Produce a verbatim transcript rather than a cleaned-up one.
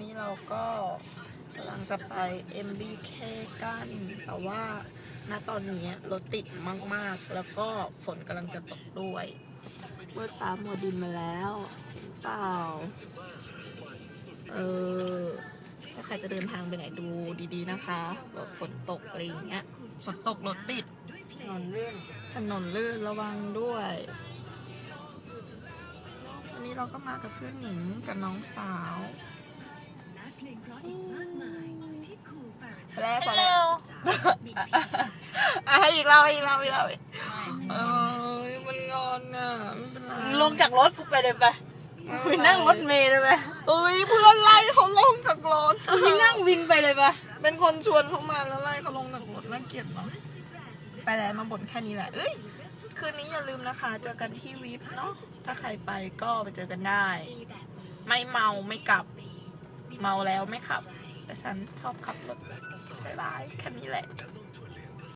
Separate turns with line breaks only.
นี้เราก็กำลังจะไป เอ็ม บี เค กันแต่ว่าณตอนนี้รถติดมากๆแล้วก็ฝนกำลังจะตกด้วยมืดฟ้ามัวดินมาแล้วเห็นเปล่าเออถ้าใครจะเดินทางไปไหนดูดีๆนะคะแบบฝนตกอะไรอย่างเงี้ยฝนตกรถติดถนนลื่นถนนลื่นระวังด้วยวันนี้เราก็มากับเพื่อนหญิงกับน้องสาวแล้วพอแล้วอ่ะให้อีกเราอีกเราอีกเราเออมันงอนอ่ะไม่เป็นไร
ลงจากรถกูไปเลยไปไปนั่งรถเมล์เลยไป
เอ้ยเพื่อนไล่เขาลงจากรถ
ไปนั่งวินไปเลยไป
เป็นคนชวนเขามาแล้วไล่เขาลงจากรถน่าเกลียดเนาะไปแล้วมาบ่นแค่นี้แหละเอ้ยคืนนี้อย่าลืมนะคะเจอกันที่วิปเนาะถ้าใครไปก็ไปเจอกันได้ ไม่เมาไม่กลับเมาแล้วไม่ขับแต่ฉันชอบขับรถหลายๆแค่นี้แหละ